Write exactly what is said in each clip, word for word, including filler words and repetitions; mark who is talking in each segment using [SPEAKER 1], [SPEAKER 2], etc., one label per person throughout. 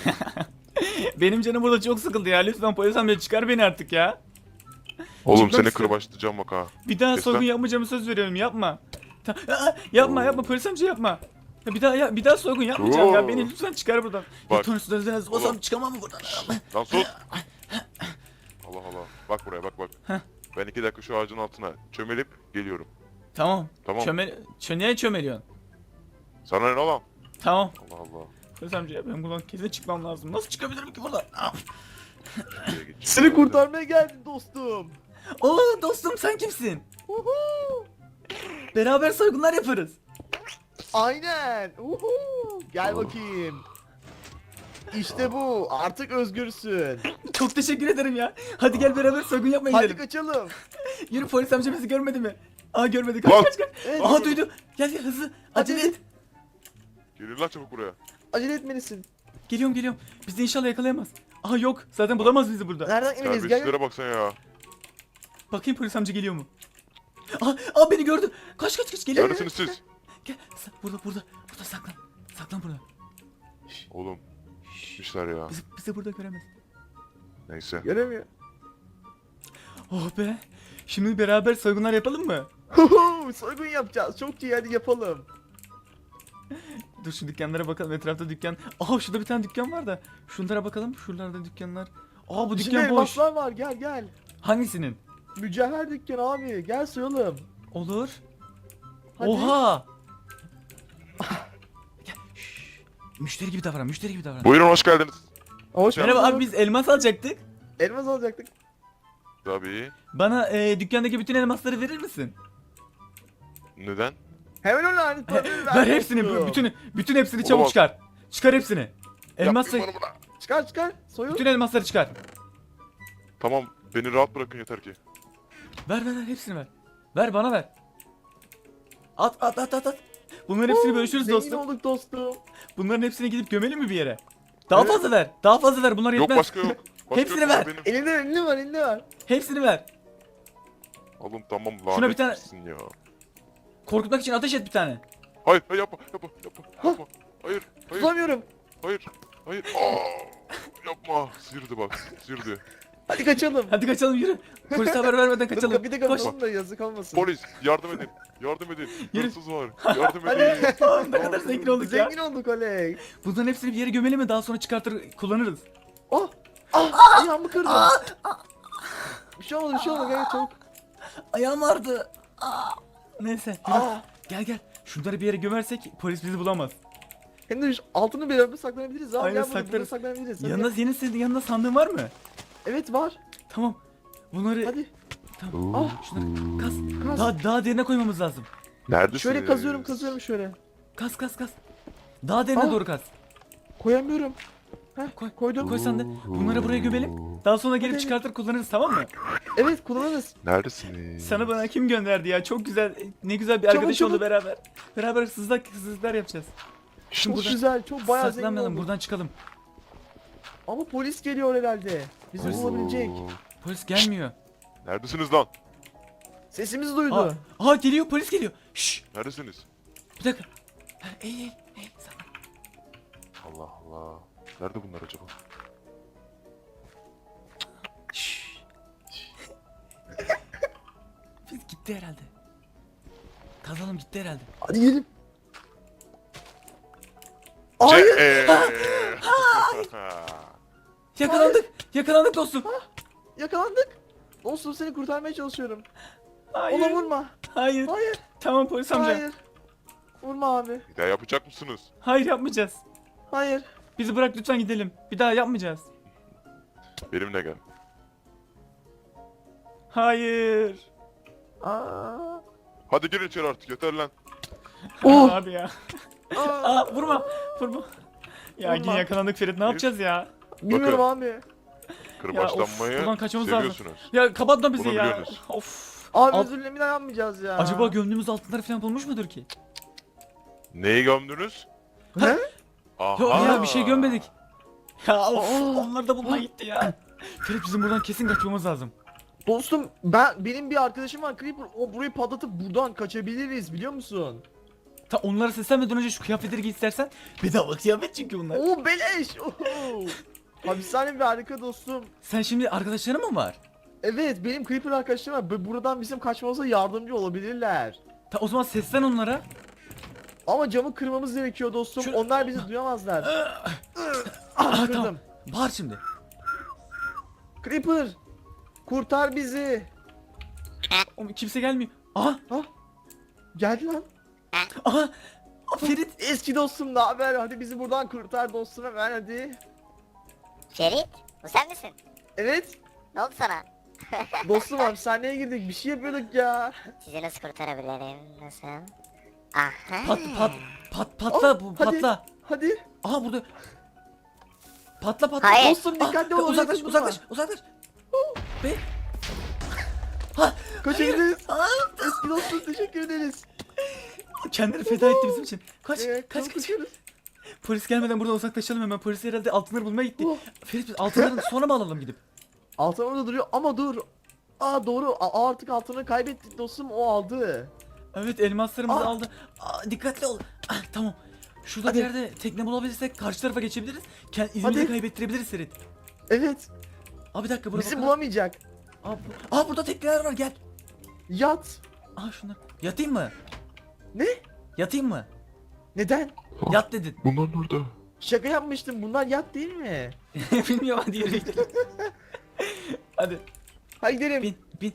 [SPEAKER 1] Benim canım burada çok sıkıldı ya. Lütfen polis amca çıkar beni artık ya.
[SPEAKER 2] Oğlum
[SPEAKER 1] Çıkmak
[SPEAKER 2] seni
[SPEAKER 1] istiyorum.
[SPEAKER 2] kırbaçlayacağım bak ha.
[SPEAKER 1] Bir daha
[SPEAKER 2] Kes
[SPEAKER 1] soygun
[SPEAKER 2] lan.
[SPEAKER 1] yapmayacağımı söz veriyorum. Yapma. Ta- Aa, yapma yapma polis amca yapma. Ya bir daha ya bir daha soygun yapmayacağım ya.
[SPEAKER 2] Oo.
[SPEAKER 1] Beni lütfen çıkar buradan.
[SPEAKER 2] Bak.
[SPEAKER 1] Ya Tony Sudan basam
[SPEAKER 2] Oğlum.
[SPEAKER 1] çıkamam mı buradan?
[SPEAKER 2] Lan sus. Allah Allah. Bak buraya bak bak.
[SPEAKER 1] Heh.
[SPEAKER 2] Ben iki dakika şu ağacın altına çömelip geliyorum.
[SPEAKER 1] Tamam.
[SPEAKER 2] Tamam.
[SPEAKER 1] Çömel çö niye çömeliyorsun?
[SPEAKER 2] Sana ne lan?
[SPEAKER 1] Tamam.
[SPEAKER 2] Allah Allah.
[SPEAKER 1] Polis amca ya ben buradan kesin çıkmam lazım. Nasıl çıkabilirim ki buradan? Ah.
[SPEAKER 2] Şuraya geç.
[SPEAKER 3] Seni kurtarmaya geldim dostum.
[SPEAKER 1] Oo dostum sen kimsin?
[SPEAKER 3] Uhu.
[SPEAKER 1] Beraber soygunlar yaparız.
[SPEAKER 3] Aynen. Uhu. Gel bakayım. İşte bu. Artık özgürsün.
[SPEAKER 1] Çok teşekkür ederim ya. Hadi gel beraber soygun yapmaya
[SPEAKER 3] Hadi
[SPEAKER 1] gidelim.
[SPEAKER 3] kaçalım.
[SPEAKER 1] Yürü polis amca bizi görmedi mi? Aa görmedi. Kaç
[SPEAKER 2] Lan.
[SPEAKER 1] kaç kaç.
[SPEAKER 3] Evet,
[SPEAKER 1] Aha
[SPEAKER 3] evet.
[SPEAKER 1] duydu. Gel gel hızlı.
[SPEAKER 3] Hadi.
[SPEAKER 1] Acele et.
[SPEAKER 2] Gelin lan çabuk buraya.
[SPEAKER 3] Acele etmelisin.
[SPEAKER 1] Geliyorum geliyorum. Bizi inşallah yakalayamaz. Aha yok. Zaten bulamaz bizi burada.
[SPEAKER 3] Nereden eminiz? Gel.
[SPEAKER 2] Terbiyesizlere baksana ya.
[SPEAKER 1] Bakayım polis amca geliyor mu? Aa, aa beni gördü. Kaç kaç kaç geliyor.
[SPEAKER 2] Neredesiniz siz?
[SPEAKER 1] Gel. Sa- burada burada. Burada saklan. Saklan burada.
[SPEAKER 2] Oğlum. Gitmişler ya.
[SPEAKER 1] Bizi, bizi burada göremez.
[SPEAKER 2] Neyse.
[SPEAKER 3] Göremiyor.
[SPEAKER 1] Oh be. Şimdi beraber soygunlar yapalım mı?
[SPEAKER 3] Huhu, soygun yapacağız. Çok iyi, hadi yapalım.
[SPEAKER 1] Dur şu dükkanlara bakalım. Etrafta dükkan. Aha şurada bir tane dükkan var da. Şunlara bakalım. Şuralarda dükkanlar. Aa bu
[SPEAKER 3] İçinde
[SPEAKER 1] dükkan boş.
[SPEAKER 3] elmaslar var, gel gel.
[SPEAKER 1] Hangisinin?
[SPEAKER 3] Mücevher dükkanı abi, gel soyalım.
[SPEAKER 1] Olur.
[SPEAKER 3] Hadi.
[SPEAKER 1] Oha. Gel. Şşş. Müşteri gibi davran. Müşteri gibi davran.
[SPEAKER 2] Buyurun hoş geldiniz.
[SPEAKER 3] Hoş
[SPEAKER 1] Merhaba
[SPEAKER 3] bulduk.
[SPEAKER 1] abi biz elmas alacaktık.
[SPEAKER 3] Elmas alacaktık.
[SPEAKER 2] Tabii.
[SPEAKER 1] Bana e, dükkandaki bütün elmasları verir misin?
[SPEAKER 2] Neden?
[SPEAKER 3] Hemen öyle hani
[SPEAKER 1] He,
[SPEAKER 3] tabii
[SPEAKER 1] ver hepsini.
[SPEAKER 3] dostum.
[SPEAKER 1] Bütün bütün hepsini çabuk
[SPEAKER 2] Olamaz.
[SPEAKER 1] çıkar. Çıkar hepsini. Elmas
[SPEAKER 2] Yapmayın bana bunu.
[SPEAKER 3] Çıkar çıkar, soyun.
[SPEAKER 1] bütün elmasları çıkar.
[SPEAKER 2] Tamam beni rahat bırakın yeter ki.
[SPEAKER 1] Ver ver ver hepsini ver. Ver bana ver. At at at at at. Bunların hepsini bölüşürüz
[SPEAKER 3] Zengin
[SPEAKER 1] dostum.
[SPEAKER 3] olduk dostum.
[SPEAKER 1] Bunların hepsini gidip gömelim mi bir yere? Daha
[SPEAKER 3] Evet.
[SPEAKER 1] fazla ver. Daha fazla ver. Bunlar
[SPEAKER 2] Yok
[SPEAKER 1] yetmez.
[SPEAKER 2] başka yok. Başka
[SPEAKER 1] Hepsini
[SPEAKER 2] yok,
[SPEAKER 1] ver.
[SPEAKER 2] Benim.
[SPEAKER 3] Elinde elinde var, elinde var.
[SPEAKER 1] Hepsini ver.
[SPEAKER 2] Oğlum tamam
[SPEAKER 1] Şuna
[SPEAKER 2] lanet
[SPEAKER 1] bir tane-
[SPEAKER 2] misin ya.
[SPEAKER 1] Korkutmak için ateş et bir tane.
[SPEAKER 2] Hayır hayır yapma yapma yapma yapma. Hayır hayır
[SPEAKER 3] Tutamıyorum.
[SPEAKER 2] hayır hayır. Aa, yapma. Sıyırdı bak sıyırdı.
[SPEAKER 3] Hadi kaçalım.
[SPEAKER 1] Hadi kaçalım yürü. Polise haber vermeden
[SPEAKER 3] Dur,
[SPEAKER 1] kaçalım.
[SPEAKER 3] Bir de
[SPEAKER 1] Koş.
[SPEAKER 3] kapatalım da yazık olmasın.
[SPEAKER 2] Polis yardım edin. Yardım edin.
[SPEAKER 1] Yürü.
[SPEAKER 2] Hırsız var. Yardım
[SPEAKER 3] Hadi.
[SPEAKER 2] edin.
[SPEAKER 1] Aa, ne kadar zengin olduk ya.
[SPEAKER 3] Zengin olduk oley.
[SPEAKER 1] Bunların hepsini bir yere gömelim mi? Daha sonra çıkartır kullanırız.
[SPEAKER 3] Oh. Ah, ayağımı kırdım. Bir şey olmadı, bir şey olmadı. Gel çabuk.
[SPEAKER 1] Ayağım ağrıdı. Aa. Neyse. biraz-
[SPEAKER 3] Aa.
[SPEAKER 1] Gel gel. Şunları bir yere gömersek polis bizi bulamaz.
[SPEAKER 3] Hem de şu altını bir yerde saklanabiliriz abi.
[SPEAKER 1] Aynen,
[SPEAKER 3] Gel burada, burada
[SPEAKER 1] saklarız.
[SPEAKER 3] saklanabiliriz. Hadi
[SPEAKER 1] Yanında
[SPEAKER 3] gel.
[SPEAKER 1] senin senin yanında sandığın var mı?
[SPEAKER 3] Evet var.
[SPEAKER 1] Tamam. Bunları
[SPEAKER 3] Hadi.
[SPEAKER 1] tamam.
[SPEAKER 3] Ah.
[SPEAKER 1] Şunları kaz.
[SPEAKER 3] Kaz.
[SPEAKER 1] Daha daha derine koymamız lazım.
[SPEAKER 2] Neredesiniz?
[SPEAKER 3] Şöyle kazıyorum, kazıyorum şöyle.
[SPEAKER 1] Kaz kaz kaz. Daha derine
[SPEAKER 3] Ah.
[SPEAKER 1] doğru kaz.
[SPEAKER 3] Koyamıyorum. Heh,
[SPEAKER 1] Koy.
[SPEAKER 3] koydum.
[SPEAKER 1] Koy sen de. Bunları buraya gömelim. Daha sonra gelip
[SPEAKER 3] Hadi.
[SPEAKER 1] çıkartır kullanırız tamam mı?
[SPEAKER 3] Evet, kullanırız.
[SPEAKER 2] Neredesiniz?
[SPEAKER 1] Sana bana kim gönderdi ya? Çok güzel. Ne güzel bir
[SPEAKER 3] Çabuk,
[SPEAKER 1] arkadaş
[SPEAKER 3] çabuk.
[SPEAKER 1] oldu beraber. Beraber hırsızlık hırsızlıklar yapacağız.
[SPEAKER 3] Çok
[SPEAKER 1] buradan-
[SPEAKER 3] güzel, çok bayağı zengin
[SPEAKER 1] Saklanmayalım
[SPEAKER 3] olduk.
[SPEAKER 1] buradan çıkalım.
[SPEAKER 3] Ama polis geliyor herhalde. Bizi
[SPEAKER 1] Polis-
[SPEAKER 3] bulabilecek.
[SPEAKER 1] Polis gelmiyor.
[SPEAKER 2] Neredesiniz lan?
[SPEAKER 3] Sesimizi duydu.
[SPEAKER 1] Aa, aa geliyor polis geliyor. Şşş
[SPEAKER 2] Neredesiniz?
[SPEAKER 1] bir dakika. Ha, Eğil eğil eğil. Saklan.
[SPEAKER 2] Allah Allah. Nerede bunlar acaba?
[SPEAKER 1] Şşş. Biz gitti herhalde. Kazalım gitti herhalde.
[SPEAKER 3] Hadi gelin. Hayır.
[SPEAKER 2] Ce-
[SPEAKER 1] Yakalandık. Yakalandık dostum.
[SPEAKER 3] Yakalandık. Dostum seni kurtarmaya çalışıyorum.
[SPEAKER 1] Hayır.
[SPEAKER 3] Ona vurma.
[SPEAKER 1] Hayır.
[SPEAKER 3] Hayır.
[SPEAKER 1] Tamam polis amca. Hayır,
[SPEAKER 3] Hayır. Vurma abi.
[SPEAKER 2] Bir daha yapacak mısınız?
[SPEAKER 1] yapmayacağız.
[SPEAKER 3] Hayır.
[SPEAKER 1] Bizi bırak lütfen gidelim. Bir daha yapmayacağız.
[SPEAKER 2] Benimle gel.
[SPEAKER 1] Hayır.
[SPEAKER 3] Aa.
[SPEAKER 2] Hadi girin içeri artık yeter lan.
[SPEAKER 3] Oh.
[SPEAKER 1] Abi ya.
[SPEAKER 3] Aa.
[SPEAKER 1] Aa vurma. Vurma. Ya
[SPEAKER 3] Vurma.
[SPEAKER 1] yine yakalandık Ferit. Ne yapacağız ya?
[SPEAKER 3] Bilmiyorum abi.
[SPEAKER 2] Kırbaçlanmayı
[SPEAKER 1] buradan kaçmamız lazım.
[SPEAKER 2] seviyorsunuz.
[SPEAKER 1] Ya kapatma bizi
[SPEAKER 2] Bunu
[SPEAKER 1] ya.
[SPEAKER 2] biliyorsunuz.
[SPEAKER 1] Of.
[SPEAKER 3] Abi
[SPEAKER 1] Al-
[SPEAKER 3] özür dilerim, bir daha yapmayacağız ya.
[SPEAKER 1] Acaba gömdüğümüz altınlar falan bulmuş mudur ki?
[SPEAKER 2] Neyi gömdünüz?
[SPEAKER 3] Ne?
[SPEAKER 2] Aha.
[SPEAKER 1] Yok ya bir şey gömmedik. Ya of,
[SPEAKER 3] Aa.
[SPEAKER 1] onlar da bulmaya gitti ya. Ferit bizim buradan kesin kaçmamız lazım.
[SPEAKER 3] Dostum ben benim bir arkadaşım var Creeper. O burayı patlatıp buradan kaçabiliriz biliyor musun?
[SPEAKER 1] Ta onlara seslenmeden önce şu kıyafetleri giy istersen. Bedava kıyafet çünkü bunlar.
[SPEAKER 3] Oo beleş. Oo. Hapishane bir harika dostum.
[SPEAKER 1] Sen şimdi arkadaşların mı var?
[SPEAKER 3] Evet benim Creeper arkadaşlarım var. Bu- Buradan bizim kaçmamıza yardımcı olabilirler.
[SPEAKER 1] Ta o zaman seslen onlara.
[SPEAKER 3] Ama camı kırmamız gerekiyor dostum.
[SPEAKER 1] Şu-
[SPEAKER 3] Onlar bizi duyamazlar.
[SPEAKER 1] Ah,
[SPEAKER 3] ah
[SPEAKER 1] tamam.
[SPEAKER 3] kırdım.
[SPEAKER 1] Bağır şimdi.
[SPEAKER 3] Creeper. Kurtar bizi.
[SPEAKER 1] Oğlum kimse gelmiyor. Aha.
[SPEAKER 3] Ah. Geldi lan.
[SPEAKER 1] Aha. Ferit.
[SPEAKER 3] Eski dostum ne haber? Hadi bizi buradan kurtar dostum hemen hadi.
[SPEAKER 4] Ferit, bu sen misin?
[SPEAKER 3] Evet.
[SPEAKER 4] Ne oldu sana?
[SPEAKER 3] Dostum hapishaneye girdik. Bir şey yapıyorduk ya.
[SPEAKER 4] Sizi nasıl kurtarabilirim? Nasıl? Aha.
[SPEAKER 1] Pat pat pat patla
[SPEAKER 3] Ah,
[SPEAKER 1] bu
[SPEAKER 3] hadi.
[SPEAKER 1] patla.
[SPEAKER 3] Hadi.
[SPEAKER 1] Aha burada. Patla patla.
[SPEAKER 4] Hayır.
[SPEAKER 3] Dostum dikkatli ol.
[SPEAKER 1] Uzaklaş
[SPEAKER 3] sakın
[SPEAKER 1] uzaklaş
[SPEAKER 3] durma.
[SPEAKER 1] uzaklaş. Be. Ha.
[SPEAKER 3] Kaçabiliriz.
[SPEAKER 1] Aa,
[SPEAKER 3] Eski dostum teşekkür ederiz.
[SPEAKER 1] kendini feda etti bizim için. Kaç
[SPEAKER 3] Ee,
[SPEAKER 1] kaç
[SPEAKER 3] çabuk
[SPEAKER 1] kaç.
[SPEAKER 3] kaçıyoruz.
[SPEAKER 1] Polis gelmeden buradan uzaklaşalım hemen. Polis herhalde altınları bulmaya gitti.
[SPEAKER 3] Oh.
[SPEAKER 1] Ferit biz altınları sonra mı alalım gidip?
[SPEAKER 3] Altın orada duruyor ama dur. Aa doğru. Aa, artık altını kaybettik dostum. O aldı.
[SPEAKER 1] Evet elmaslarımızı
[SPEAKER 3] Ah.
[SPEAKER 1] aldı. Aa, dikkatli ol. Ah, tamam. Şurada
[SPEAKER 3] Hadi.
[SPEAKER 1] bir yerde tekne bulabilirsek karşı tarafa geçebiliriz. Kend izimizi
[SPEAKER 3] Hadi.
[SPEAKER 1] kaybettirebiliriz Ferit.
[SPEAKER 3] Evet.
[SPEAKER 1] Abi bir dakika buraya
[SPEAKER 3] Bizi
[SPEAKER 1] bakalım.
[SPEAKER 3] bulamayacak.
[SPEAKER 1] Aa, bu- Aa, burada tekneler var gel.
[SPEAKER 3] Yat.
[SPEAKER 1] Aa şunlar. Yatayım mı?
[SPEAKER 3] Ne?
[SPEAKER 1] Yatayım mı?
[SPEAKER 3] Neden?
[SPEAKER 1] Yat dedin.
[SPEAKER 2] Bunlar nerede?
[SPEAKER 3] Şaka yapmıştım. Bunlar yat değil mi?
[SPEAKER 1] Bilmiyorum hadi yürü gidelim. Hadi
[SPEAKER 3] Hadi gidelim.
[SPEAKER 1] bin bin.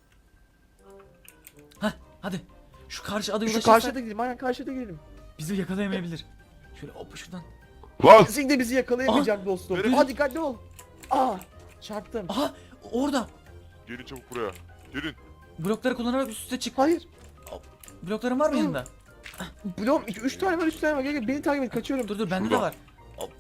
[SPEAKER 1] Hah hadi. Şu karşı adaya
[SPEAKER 3] Şu
[SPEAKER 1] ulaşırsak
[SPEAKER 3] karşıda gidelim. Aynen karşıda gidelim.
[SPEAKER 1] bizi yakalayamayabilir. Şöyle hop şuradan.
[SPEAKER 2] Lan!
[SPEAKER 3] Kesinlikle bizi yakalayamayacak dostum.
[SPEAKER 2] verin.
[SPEAKER 3] Hadi dikkatli ol. Aa çarptım.
[SPEAKER 1] Aha orada.
[SPEAKER 2] Gelin çabuk buraya. Gelin.
[SPEAKER 1] Blokları kullanarak üst üste çık.
[SPEAKER 3] Hayır.
[SPEAKER 1] Blokların var mı
[SPEAKER 3] Hı.
[SPEAKER 1] yanında?
[SPEAKER 3] Blok üç tane var üç tane var. Gel gel beni takip et kaçıyorum.
[SPEAKER 1] Dur dur bende de
[SPEAKER 2] Şurada.
[SPEAKER 1] var. Hop.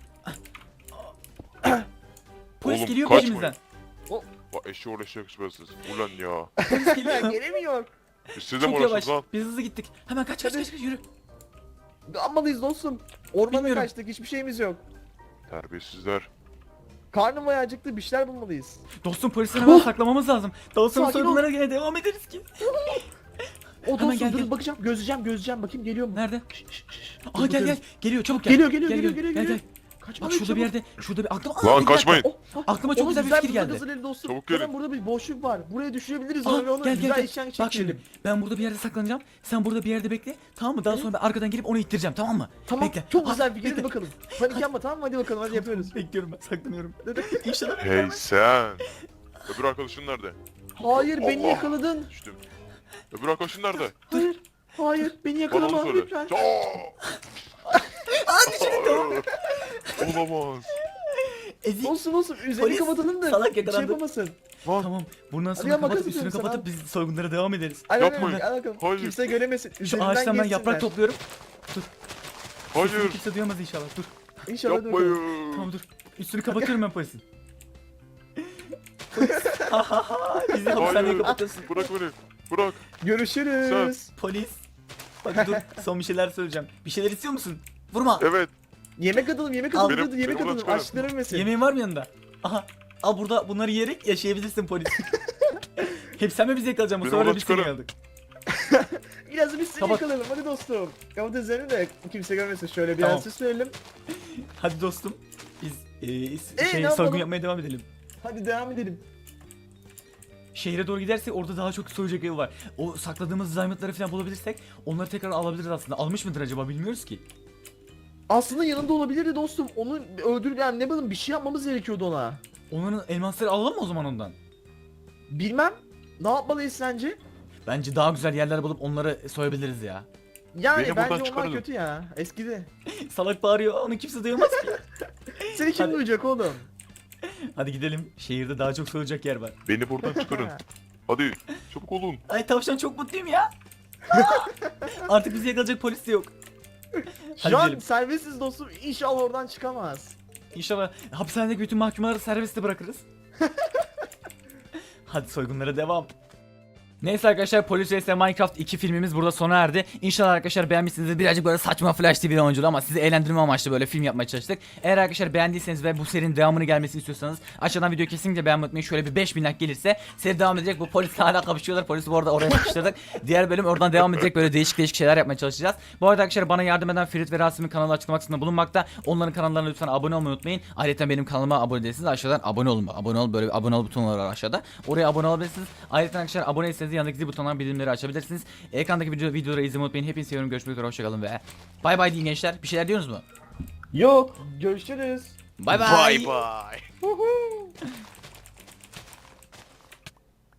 [SPEAKER 1] Polis
[SPEAKER 2] Oğlum,
[SPEAKER 1] geliyor
[SPEAKER 2] kaçmayın.
[SPEAKER 1] peşimizden.
[SPEAKER 2] Bak eşeği eşeğe kısmetsiniz. Ulan ya.
[SPEAKER 1] Polis geliyor.
[SPEAKER 3] Gelemiyor.
[SPEAKER 2] E siz de mi
[SPEAKER 1] Çok yavaş.
[SPEAKER 2] orasınız lan?
[SPEAKER 1] Biz hızlı gittik. Hemen kaç kaç
[SPEAKER 3] Hadi.
[SPEAKER 1] kaç, kaç yürü.
[SPEAKER 3] Almalıyız dostum. Ormana
[SPEAKER 1] Bilmiyorum.
[SPEAKER 3] kaçtık hiçbir şeyimiz yok.
[SPEAKER 2] Terbiyesizler.
[SPEAKER 3] Karnım bayağı acıktı bir şeyler bulmalıyız.
[SPEAKER 1] Dostum polisten hemen saklamamız lazım. Daha sonra
[SPEAKER 3] Sakin ol.
[SPEAKER 1] soygunlara gene devam ederiz ki.
[SPEAKER 3] O
[SPEAKER 1] Hemen
[SPEAKER 3] dostum
[SPEAKER 1] gel,
[SPEAKER 3] dur
[SPEAKER 1] gel.
[SPEAKER 3] bakacağım gözleyeceğim gözleyeceğim bakayım geliyor mu?
[SPEAKER 1] Nerede?
[SPEAKER 3] Şş, şş, şş.
[SPEAKER 1] Aa
[SPEAKER 3] Dur,
[SPEAKER 1] gel gel.
[SPEAKER 3] bakıyoruz.
[SPEAKER 1] Geliyor çabuk gel.
[SPEAKER 3] Geliyor geliyor
[SPEAKER 1] Gel,
[SPEAKER 3] geliyor
[SPEAKER 1] gel,
[SPEAKER 3] geliyor
[SPEAKER 1] gel,
[SPEAKER 3] geliyor.
[SPEAKER 1] gel.
[SPEAKER 3] Kaçma
[SPEAKER 1] Bak
[SPEAKER 3] lan,
[SPEAKER 1] şurada bir
[SPEAKER 3] çabuk.
[SPEAKER 1] yerde, şurada bir aklıma
[SPEAKER 2] Lan
[SPEAKER 1] Aa, bir dakika.
[SPEAKER 2] kaçmayın.
[SPEAKER 3] Oh, oh.
[SPEAKER 1] Aklıma çok
[SPEAKER 3] Oğlum,
[SPEAKER 1] güzel bir fikir
[SPEAKER 3] bir
[SPEAKER 1] geldi.
[SPEAKER 3] hazırlayın dostum.
[SPEAKER 2] Çabuk
[SPEAKER 3] Hemen
[SPEAKER 2] gelin.
[SPEAKER 3] burada bir boşluk var. Buraya düşürebiliriz
[SPEAKER 1] Aa,
[SPEAKER 3] onu ve onu
[SPEAKER 1] gel gel
[SPEAKER 3] güzel
[SPEAKER 1] gel.
[SPEAKER 3] eşyan
[SPEAKER 1] Bak
[SPEAKER 3] çekelim.
[SPEAKER 1] şimdi ben burada bir yerde saklanacağım. Sen burada bir yerde bekle. Tamam mı? Daha sonra ben arkadan gelip onu ittireceğim tamam mı?
[SPEAKER 3] Tamam
[SPEAKER 1] Bekle.
[SPEAKER 3] çok
[SPEAKER 1] Aa,
[SPEAKER 3] güzel bir fikir
[SPEAKER 1] bekle.
[SPEAKER 3] hadi bakalım. Panik yapma tamam mı hadi bakalım hadi yapıyoruz.
[SPEAKER 1] Bekliyorum ben saklanıyorum. İnşallah.
[SPEAKER 2] Hey sen. Öbür arkadaşın nerede?
[SPEAKER 3] Hayır beni
[SPEAKER 2] Allah.
[SPEAKER 3] yakaladın.
[SPEAKER 2] Düştüm. Öbür arkadaşın nerede?
[SPEAKER 3] Hayır. Hayır beni
[SPEAKER 2] Bana
[SPEAKER 3] yakalama
[SPEAKER 2] onu söyle.
[SPEAKER 3] lütfen.
[SPEAKER 2] Aa! Olamaz.
[SPEAKER 1] Ezik.
[SPEAKER 3] Olsun olsun üzerini
[SPEAKER 1] Polis,
[SPEAKER 3] kapatalım da
[SPEAKER 1] salak
[SPEAKER 3] bir şey
[SPEAKER 1] yakalandı.
[SPEAKER 3] yapamasın.
[SPEAKER 2] Lan.
[SPEAKER 1] Tamam. Bundan
[SPEAKER 3] Hadi
[SPEAKER 1] sonra
[SPEAKER 3] ya,
[SPEAKER 1] kapatıp
[SPEAKER 3] makas
[SPEAKER 1] üstünü
[SPEAKER 3] atıyorum
[SPEAKER 1] kapatıp biz soygunlara devam ederiz.
[SPEAKER 3] Hadi
[SPEAKER 2] Yapmayın.
[SPEAKER 3] hadi, hadi bakalım.
[SPEAKER 2] Hayır.
[SPEAKER 3] Kimse göremesin.
[SPEAKER 1] Şu
[SPEAKER 3] Üzerinden
[SPEAKER 1] ağaçtan ben
[SPEAKER 3] geçsinler.
[SPEAKER 1] yaprak topluyorum. Sesimi
[SPEAKER 2] Hayır.
[SPEAKER 1] kimse duyamaz inşallah. Dur.
[SPEAKER 3] İnşallah hadi bakalım.
[SPEAKER 2] Yapmayın.
[SPEAKER 1] Tamam dur. Üstünü kapatıyorum ben polisin. Polis. Bizi hapishaneye
[SPEAKER 2] Hayır.
[SPEAKER 1] kapatıyorsun.
[SPEAKER 2] Bırak beni. Bırak.
[SPEAKER 3] Görüşürüz.
[SPEAKER 1] Polis. Hadi dur. Son bir şeyler söyleyeceğim. Bir şeyler istiyor musun? Vurma.
[SPEAKER 2] Evet.
[SPEAKER 3] Yemek atalım yemek
[SPEAKER 1] Al.
[SPEAKER 3] atalım
[SPEAKER 2] Benim-
[SPEAKER 3] hadi yemek
[SPEAKER 2] benim oradan
[SPEAKER 3] atalım
[SPEAKER 2] çıkarın.
[SPEAKER 3] açlıkları ölmesin.
[SPEAKER 1] Yemeğin var mı yanında? Aha. Al burada bunları yiyerek yaşayabilirsin polis. Hep sen mi bizi yakalayacaksın? Bu
[SPEAKER 2] Beni
[SPEAKER 1] sefer de
[SPEAKER 2] oradan
[SPEAKER 1] biz seni
[SPEAKER 2] çıkarın.
[SPEAKER 1] yakaladık.
[SPEAKER 3] Biraz da biz seni
[SPEAKER 1] Kapat.
[SPEAKER 3] yakalayalım hadi dostum. Kapat üzerini de kimse görmesin şöyle bir
[SPEAKER 1] Tamam.
[SPEAKER 3] an süsleyelim.
[SPEAKER 1] Hadi dostum. Biz e, is-
[SPEAKER 3] Ee,
[SPEAKER 1] şey,
[SPEAKER 3] ne
[SPEAKER 1] soygun
[SPEAKER 3] yapalım?
[SPEAKER 1] yapmaya devam edelim.
[SPEAKER 3] Hadi devam edelim.
[SPEAKER 1] Şehre doğru gidersek orada daha çok soyacak ev var. O sakladığımız zayıfları falan bulabilirsek onları tekrar alabiliriz aslında. Almış mıdır acaba bilmiyoruz ki.
[SPEAKER 3] Aslında yanında olabilirdi dostum. Onu öldür yani ne bileyim bir şey yapmamız gerekiyordu ona.
[SPEAKER 1] Onların elmasları alalım mı o zaman ondan?
[SPEAKER 3] Bilmem. Ne yapmalıyız sence?
[SPEAKER 1] Bence daha güzel yerler bulup onları soyabiliriz ya.
[SPEAKER 3] Yani
[SPEAKER 2] Beni buradan
[SPEAKER 3] bence onlar
[SPEAKER 2] çıkarın.
[SPEAKER 3] kötü ya. Eskidi.
[SPEAKER 1] Salak bağırıyor onu kimse duyamaz ki.
[SPEAKER 3] Seni kim
[SPEAKER 1] Hadi.
[SPEAKER 3] duyacak oğlum?
[SPEAKER 1] Hadi gidelim. Şehirde daha çok soyacak yer var.
[SPEAKER 2] Beni buradan çıkarın. Hadi. Çabuk olun.
[SPEAKER 1] Ay tavşan çok mutluyum ya. Artık bizi yakalayacak polis de yok. Hadi
[SPEAKER 3] Şu an
[SPEAKER 1] gidelim.
[SPEAKER 3] serbestsiz dostum. İnşallah oradan çıkamaz.
[SPEAKER 1] İnşallah hapishanedeki bütün mahkumları serbestte bırakırız. Hadi soygunlara devam. Neyse arkadaşlar, Polis vs Minecraft iki filmimiz burada sona erdi. İnşallah arkadaşlar beğenmişsinizdir. Birazcık böyle saçma Flash T V oyunculuğu ama sizi eğlendirme amaçlı böyle film yapmaya çalıştık. Eğer arkadaşlar beğendiyseniz ve bu serinin devamını gelmesini istiyorsanız aşağıdan videoyu kesinlikle beğenmeyi unutmayın. Şöyle bir beş bin like gelirse seri devam edecek. Bu polisle hala kapışıyorlar. Polisi bu arada oraya sıkıştırdık. Diğer bölüm oradan devam edecek. Böyle değişik değişik şeyler yapmaya çalışacağız. Bu arada arkadaşlar bana yardım eden Ferit ve Rasim'in kanalı açıklama kısmında bulunmakta. Onların kanallarına lütfen abone olmayı unutmayın. Ayrıca benim kanalıma abone değilseniz aşağıdan abone olun. Abone ol, böyle bir abone ol butonu var aşağıda. Oraya abone olabilirsiniz. Ayrıca arkadaşlar aboneyseniz yanındaki zil butonundan bildirimleri açabilirsiniz. Ekrandaki video, videoları izlemeyi unutmayın. Hepinizi seviyorum. Görüşmek üzere. Hoşçakalın ve bay bay deyin gençler. Bir şeyler diyorsunuz mu?
[SPEAKER 3] Yok. Görüşürüz.
[SPEAKER 1] Bay bay.
[SPEAKER 2] Bye bye.
[SPEAKER 3] Huhu.